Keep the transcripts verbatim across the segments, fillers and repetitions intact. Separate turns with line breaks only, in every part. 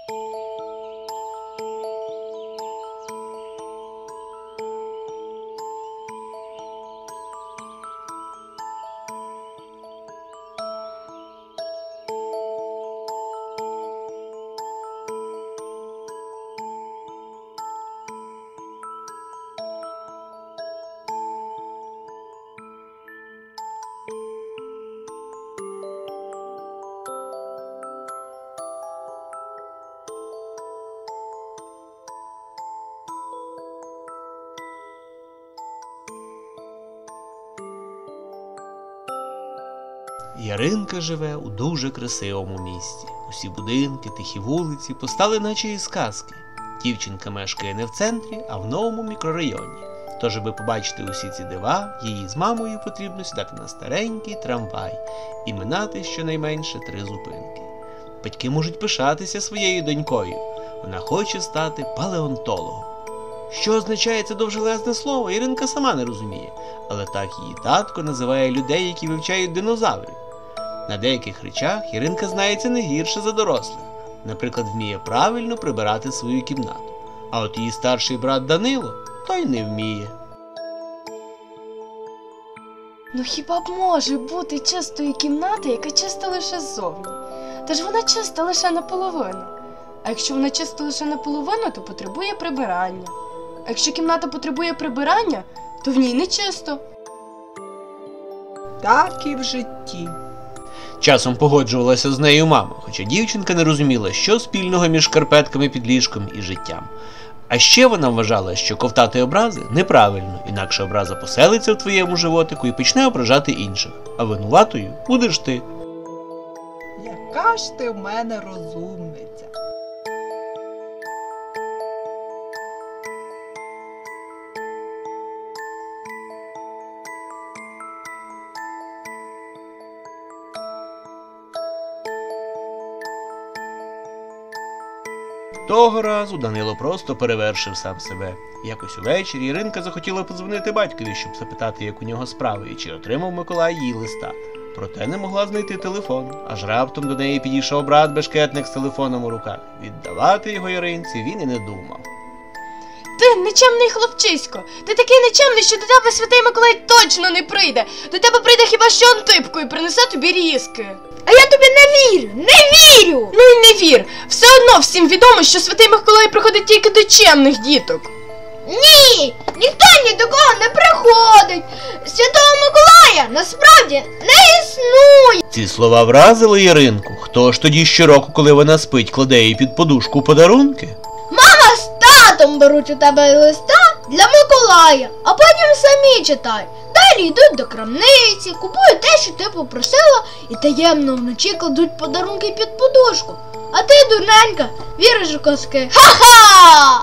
Яринка живе у дуже красивому місті. Усі будинки, тихі вулиці постали наче із казки. Дівчинка мешкає не в центрі, а в новому мікрорайоні. Тож, аби побачити усі ці дива, їй з мамою потрібно сідати на старенький трамвай і минати щонайменше три зупинки. Батьки можуть пишатися своєю донькою. Вона хоче стати палеонтологом. Що означає це довжелезне слово, Яринка сама не розуміє, але так її татко називає людей, які вивчають динозаврів. На деяких речах Яринка знається не гірше за дорослих. Наприклад, вміє правильно прибирати свою кімнату. А от її старший брат Данило, той не вміє.
Ну хіба б може бути чистої кімнати, яка чиста лише ззовні? Та ж вона чиста лише наполовину. А якщо вона чиста лише наполовину, то потребує прибирання. А якщо кімната потребує прибирання, то в ній не чисто.
Так і в житті.
Часом погоджувалася з нею мама, хоча дівчинка не розуміла, що спільного між шкарпетками під ліжком і життям. А ще вона вважала, що ковтати образи неправильно, інакше образа поселиться в твоєму животику і почне ображати інших, а винуватою будеш ти.
Яка ж ти в мене розумниця.
Того разу Данило просто перевершив сам себе. Якось увечері Іринка захотіла подзвонити батькові, щоб запитати, як у нього справи, і чи отримав Миколай її листа. Проте не могла знайти телефон, аж раптом до неї підійшов брат-бешкетник з телефоном у руках. Віддавати його Іринці він і не думав.
Ти нечемний хлопчисько! Ти такий нечемний, що до тебе святий Миколай точно не прийде! До тебе прийде хіба що Антипко і принесе тобі різки!
А я тобі не вірю! Не вірю!
Ну і не вір! Все одно всім відомо, що святий Миколай приходить тільки до чемних діток!
Ні! Ніхто ні до кого не приходить! Святого Миколая насправді не існує!
Ці слова вразили Іринку. Хто ж тоді щороку, коли вона спить, кладе їй під подушку подарунки?
Мама з татом беруть у тебе листа для Миколая, а потім самі читають. Далі йдуть до крамниці, купують те, що ти попросила, і таємно вночі кладуть подарунки під подушку. А ти, дурненька, віриш у казки. Ха-ха!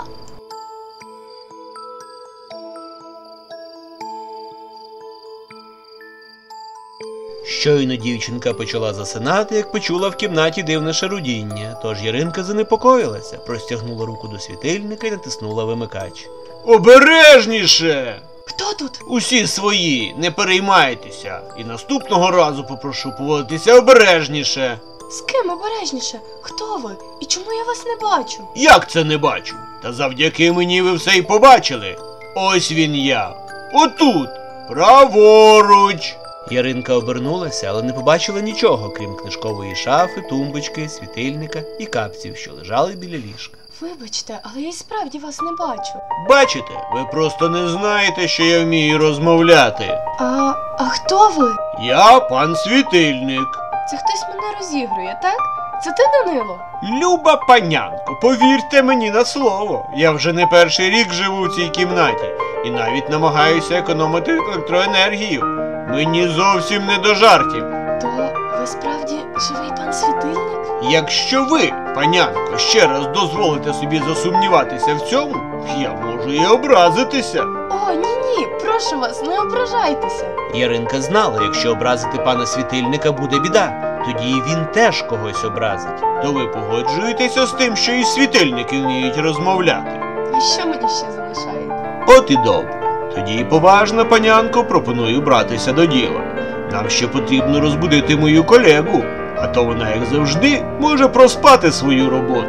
Щойно дівчинка почала засинати, як почула в кімнаті дивне шарудіння. Тож Яринка занепокоїлася, простягнула руку до світильника і натиснула вимикач. Обережніше!
Хто тут?
Усі свої, не переймайтеся. І наступного разу попрошу поводитися обережніше.
З ким обережніше? Хто ви? І чому я вас не бачу?
Як це не бачу? Та завдяки мені ви все й побачили. Ось він я. Отут. Праворуч. Яринка обернулася, але не побачила нічого, крім книжкової шафи, тумбочки, світильника і капців, що лежали біля ліжка.
Вибачте, але я й справді вас не бачу.
Бачите, ви просто не знаєте, що я вмію розмовляти.
А, а хто ви?
Я пан Світильник.
Це хтось мене розігрує, так? Це ти, Данило?
Люба панянко, повірте мені на слово. Я вже не перший рік живу в цій кімнаті і навіть намагаюся економити електроенергію. Мені зовсім не до жартів.
То ви справді живий пан Світильник?
Якщо ви, панянко, ще раз дозволите собі засумніватися в цьому, я можу і образитися.
О, ні-ні, прошу вас, не ображайтеся.
Яринка знала, якщо образити пана Світильника буде біда, тоді і він теж когось образить. То ви погоджуєтеся з тим, що і світильники вміють розмовляти?
А що мені ще залишається?
От і добре. Тоді, поважна панянко, пропоную братися до діла. Нам ще потрібно розбудити мою колегу, а то вона, як завжди, може проспати свою роботу.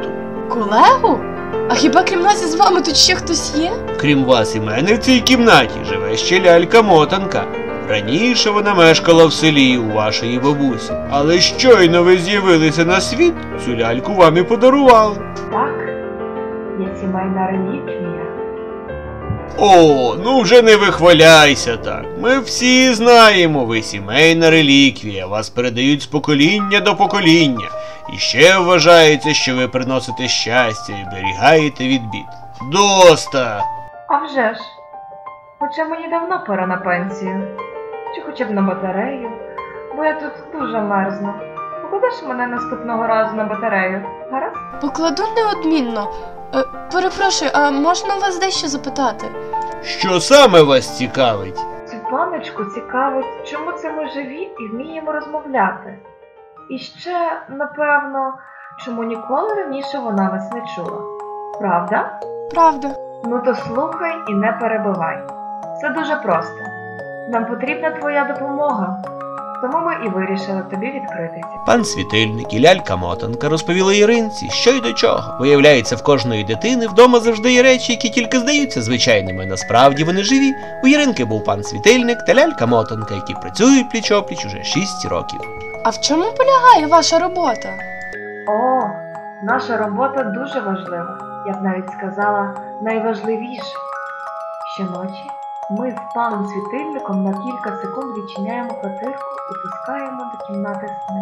Колегу? А хіба крім нас із вами тут ще хтось є?
Крім вас і мене в цій кімнаті живе ще лялька-мотанка. Раніше вона мешкала в селі у вашої бабусі, але щойно ви з'явилися на світ, цю ляльку вам і подарували.
Так, є сімейна реліквія.
О, ну вже не вихваляйся так. Ми всі знаємо, ви сімейна реліквія, вас передають з покоління до покоління. І ще вважається, що ви приносите щастя і берігаєте від бід. Доста!
А вже ж. Хоча мені давно пора на пенсію. Чи хоча б на батарею, бо я тут дуже мерзну. Покладеш мене наступного разу на батарею, гаразд?
Покладу неодмінно. Е, перепрошую, а можна у вас дещо запитати?
Що саме вас цікавить?
Цю паночку цікавить, чому це ми живі і вміємо розмовляти. І ще, напевно, чому ніколи раніше вона нас не чула. Правда?
Правда.
Ну то слухай і не перебивай. Все дуже просто. Нам потрібна твоя допомога. Тому ми і вирішили тобі відкритися.
Пан Світильник і лялька-мотанка розповіли Іринці, що й до чого. Виявляється, в кожної дитини вдома завжди є речі, які тільки здаються звичайними. Насправді вони живі. У Іринки був пан Світильник та лялька-мотанка, які працюють пліч-опліч уже шість років.
А в чому полягає ваша робота?
О, наша робота дуже важлива. Я б навіть сказала, найважливіша. Щоночі ми з паном Світильником на кілька секунд відчиняємо квартирку і пускаємо до кімнати сни.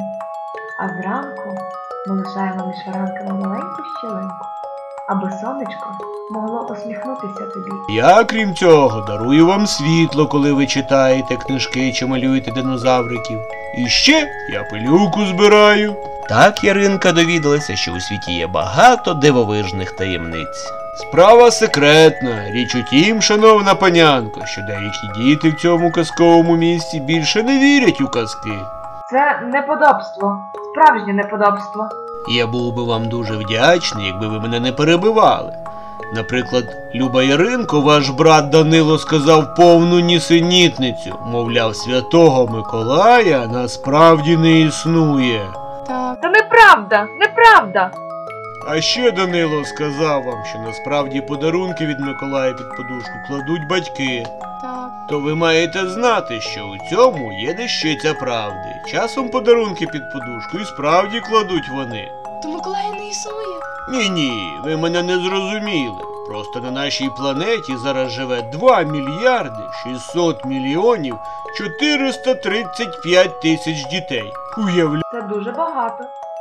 А зранку ми лишаємо між фаранками маленьку щілинку, аби сонечко могло усміхнутися тобі.
Я, крім цього, дарую вам світло, коли ви читаєте книжки чи малюєте динозавриків. І ще я пилюку збираю. Так Яринка довідалася, що у світі є багато дивовижних таємниць. Справа секретна. Річ у тім, шановна панянко, що деякі діти в цьому казковому місті більше не вірять у казки.
Це неподобство, справжнє неподобство.
Я був би вам дуже вдячний, якби ви мене не перебивали. Наприклад, Люба Яринко, ваш брат Данило сказав повну нісенітницю. Мовляв, святого Миколая насправді не існує.
Так.
Це неправда, неправда!
А ще Данило сказав вам, що насправді подарунки від Миколая під подушку кладуть батьки.
Так.
То ви маєте знати, що у цьому є дещиця правди. Часом подарунки під подушку і справді кладуть вони.
То Миколая не існує?
Ні-ні, ви мене не зрозуміли. Просто на нашій планеті зараз живе два мільярди шістсот мільйонів чотириста тридцять п'ять тисяч дітей. Уявляєте?
Це дуже багато.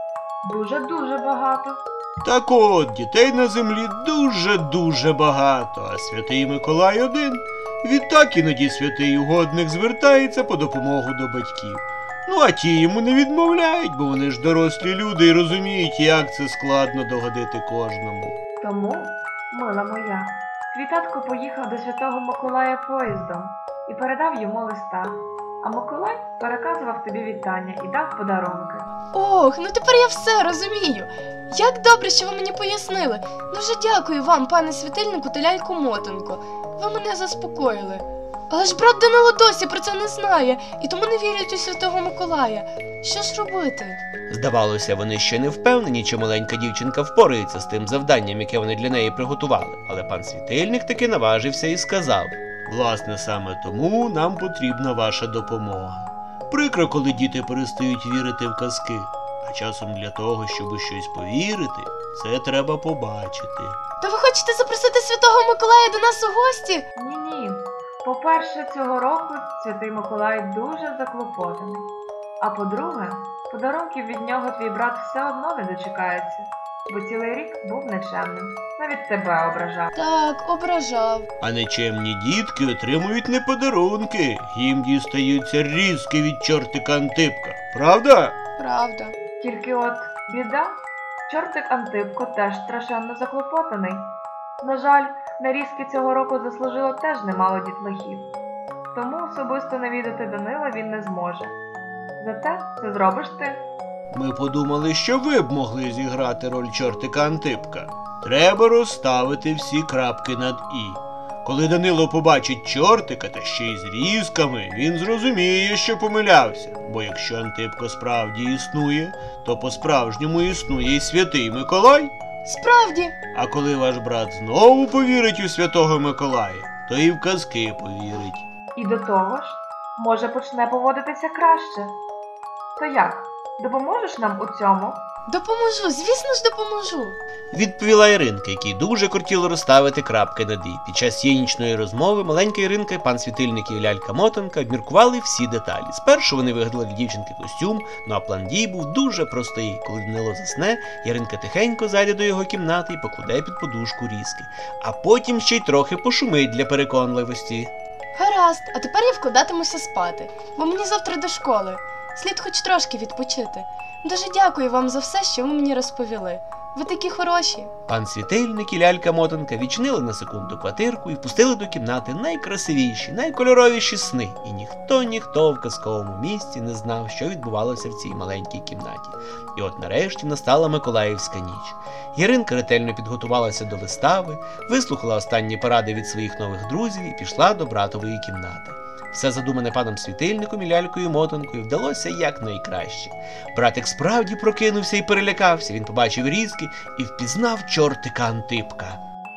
Дуже-дуже багато.
Так от, дітей на землі дуже-дуже багато, а святий Миколай один. Відтак іноді святий угодник звертається по допомогу до батьків. Ну а ті йому не відмовляють, бо вони ж дорослі люди і розуміють, як це складно догодити кожному.
Тому, мила моя, твій татко поїхав до Святого Миколая поїздом і передав йому листа. А Миколай переказував тобі вітання і дав подарунки.
Ох, ну тепер я все розумію. Як добре, що ви мені пояснили. Дуже дякую вам, пане Світильнику та лялько-мотанко. Ви мене заспокоїли. Але ж брат Данило досі про це не знає, і тому не вірять у Святого Миколая. Що ж робити?
Здавалося, вони ще не впевнені, чи маленька дівчинка впорається з тим завданням, яке вони для неї приготували. Але пан Світильник таки наважився і сказав: власне, саме тому нам потрібна ваша допомога. Прикро, коли діти перестають вірити в казки. А часом для того, щоб у щось повірити, це треба побачити.
То ви хочете запросити Святого Миколая до нас у гості?
Ні-ні. По-перше, цього року Святий Миколай дуже заклопотаний. А по-друге, подарунків від нього твій брат все одно не дочекається, бо цілий рік був нечемним. Навіть тебе ображав.
Так, ображав.
А нечемні дітки отримують не подарунки, їм дістаються різки від чортика Антипка. Правда?
Правда.
Тільки от біда, чортик Антипко теж страшенно заклопотаний. На жаль, на різки цього року заслужило теж немало дітлахів. Тому особисто навідати Данила він не зможе. Зате це зробиш ти.
Ми подумали, що ви б могли зіграти роль чортика Антипка. Треба розставити всі крапки над «і». Коли Данило побачить чортика, та ще й з різками, він зрозуміє, що помилявся. Бо якщо Антипко справді існує, то по-справжньому існує й Святий Миколай.
Справді,
А коли ваш брат знову повірить у Святого Миколая, то і в казки повірить.
І до того ж, може почне поводитися краще. То як, допоможеш нам у цьому?
допоможу, звісно ж допоможу.
Відповіла Іринка, якій дуже кортіло розставити крапки над «і». Під час цієї нічної розмови маленька Іринка, пан Світильник і лялька-мотанка обміркували всі деталі. Спершу вони вигадали для дівчинки костюм, ну а план дій був дуже простий. Коли Данило засне, Іринка тихенько зайде до його кімнати і покладе під подушку різки. А потім ще й трохи пошумить для переконливості.
Гаразд, а тепер я вкладатимуся спати, бо мені завтра до школи. Слід хоч трошки відпочити. Дуже дякую вам за все, що ви мені розповіли. Ви такі хороші.
Пан Світильник і лялька-мотанка відчинили на секунду квартирку і впустили до кімнати найкрасивіші, найкольоровіші сни. І ніхто-ніхто в казковому місті не знав, що відбувалося в цій маленькій кімнаті. І от нарешті настала Миколаївська ніч. Яринка ретельно підготувалася до вистави, вислухала останні поради від своїх нових друзів і пішла до братової кімнати. Все задумане паном Світильником і лялькою-мотанкою вдалося якнайкраще. Братик справді прокинувся і перелякався. Він побачив різки і впізнав чортика Антипка.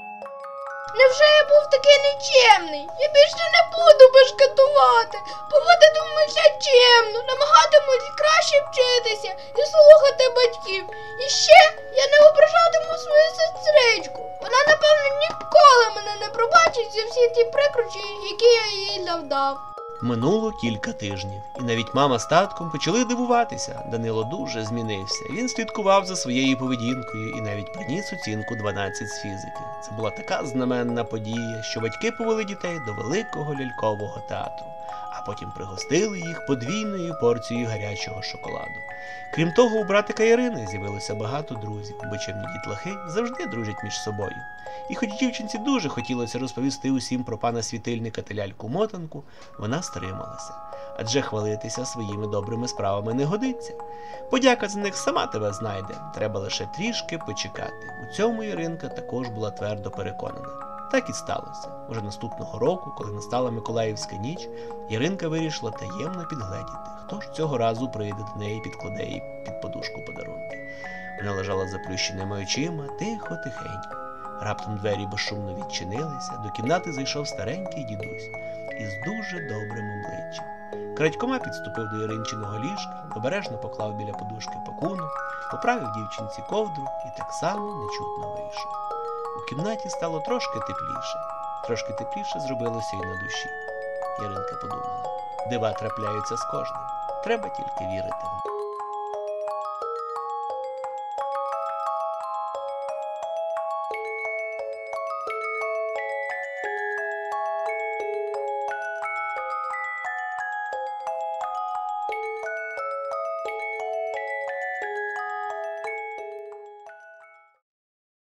Невже я був такий нечемний? Я більше не буду бешкетувати. Поводитимуся чемно, намагатимусь краще вчитися і слухати батьків. І ще я не ображатиму свою сестричку. Вона, напевно, ніколи мене не пробачить за всі ті прикрощі, які я їй завдав.
Минуло кілька тижнів, і навіть мама з татком почали дивуватися. Данило дуже змінився. Він слідкував за своєю поведінкою і навіть приніс оцінку дванадцять з фізики. Це була така знаменна подія, що батьки повели дітей до великого лялькового театру, а потім пригостили їх подвійною порцією гарячого шоколаду. Крім того, у братика Ірини з'явилося багато друзів, бо чемні дітлахи завжди дружать між собою. І хоч дівчинці дуже хотілося розповісти усім про пана Світильника та ляльку-мотанку, вона стрималася. Адже хвалитися своїми добрими справами не годиться. Подяка за них сама тебе знайде, треба лише трішки почекати. У цьому Іринка також була твердо переконана. Так і сталося. Уже наступного року, коли настала Миколаївська ніч, Іринка вирішила таємно підгледіти, хто ж цього разу прийде до неї і підкладе їй під подушку подарунки. Вона лежала з заплющеними очима, тихо-тихенько. Раптом двері безшумно відчинилися, до кімнати зайшов старенький дідусь із дуже добрим обличчям. Крадькома підступив до Іринчиного ліжка, обережно поклав біля подушки пакунок, поправив дівчинці ковдру і так само нечутно вийшов. У кімнаті стало трошки тепліше. Трошки тепліше зробилося і на душі. Яринка подумала, дива трапляються з кожним. Треба тільки вірити в них.